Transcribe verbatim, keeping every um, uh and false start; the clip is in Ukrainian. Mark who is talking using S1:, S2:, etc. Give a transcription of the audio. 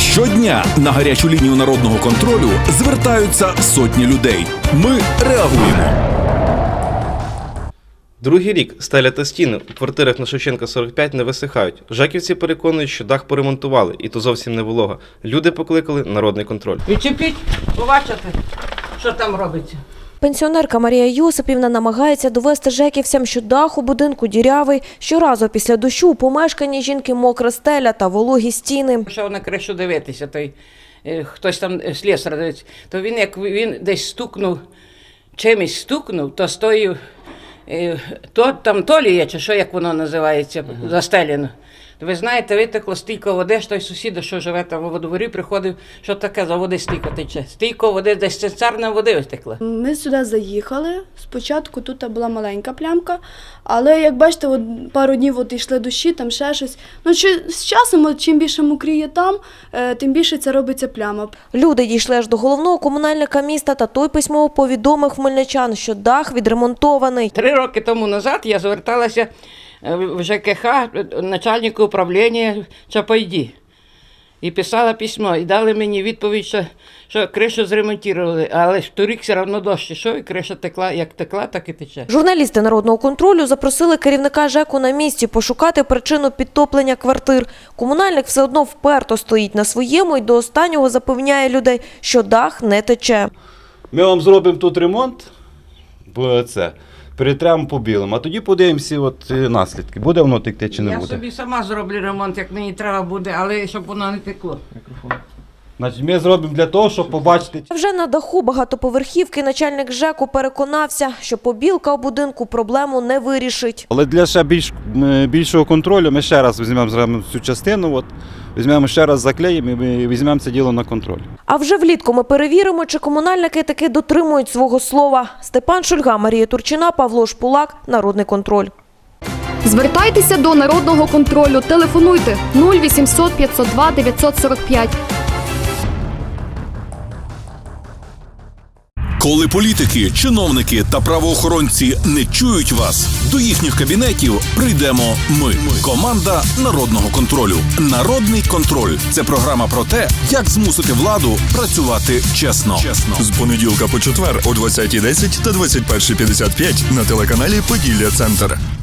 S1: Щодня на гарячу лінію народного контролю звертаються сотні людей. Ми реагуємо.
S2: Другий рік стеля та стіни у квартирах на Шевченка сорок п'ять не висихають. Жаківці переконують, що дах поремонтували, і то зовсім не волога. Люди покликали народний контроль.
S3: Відчепіть, побачите, що там робиться.
S4: Пенсіонерка Марія Йосипівна намагається довести жеківцям, що дах у будинку дірявий. Щоразу після дощу у помешканні жінки мокра стеля та вологі стіни.
S3: Що на кришу дивитися, той е, хтось там е, слесар дивиться, то він як він десь стукнув, чимось стукнув, то стою, е, то, там толі є, чи що, як воно називається, uh-huh. застелено. Ви знаєте, витекло стійко води, що той сусід, що живе там у водоворі, приходив, що таке за води стійко тече. Стійко води, десь цистерна води ось текла.
S5: Ми сюди заїхали, спочатку тут була маленька плямка, але, як бачите, от пару днів от йшли дощі, там ще щось. Ну, чи, з часом, от, чим більше мокріє там, е, тим більше це робиться пляма.
S4: Люди дійшли аж до головного комунальника міста, та той письмово повідомив хмельничан, що дах відремонтований.
S3: Три роки тому назад я зверталася в ЖКХ, начальнику управління Чапайді. І писала письмо, і дали мені відповідь, що, що кришу зремонтували, але торік все одно дощ ішов, і криша текла, як текла, так і тече.
S4: Журналісти народного контролю запросили керівника ЖЕКу на місці пошукати причину підтоплення квартир. Комунальник все одно вперто стоїть на своєму і до останнього запевняє людей, що дах не тече.
S6: Ми вам зробимо тут ремонт, бо це, перетремо по білому, а тоді подивимося от, наслідки, буде воно текти чи не
S3: Я
S6: буде.
S3: собі сама зроблю ремонт, як мені треба буде, але щоб воно не текло.
S6: Значить, ми зробимо для того, щоб побачити.
S4: Вже на даху багатоповерхівки начальник ЖЕКу переконався, що побілка у будинку проблему не вирішить.
S6: Але для ще більш, більшого контролю ми ще раз візьмемо зробимо цю частину, от, візьмемо ще раз заклеїмо і візьмемо це діло на контроль.
S4: А вже влітку ми перевіримо, чи комунальники таки дотримують свого слова. Степан Шульга, Марія Турчина, Павло Шпулак, Народний контроль.
S7: Звертайтеся до Народного контролю. Телефонуйте нуль вісімсот п'ятсот два дев'ятсот сорок п'ять.
S1: Коли політики, чиновники та правоохоронці не чують вас, до їхніх кабінетів прийдемо ми. Команда Народного контролю. Народний контроль – це програма про те, як змусити владу працювати чесно. чесно.
S8: З понеділка по четвер о двадцятій десять та двадцять першій п'ятдесят п'ять на телеканалі «Поділля Центр».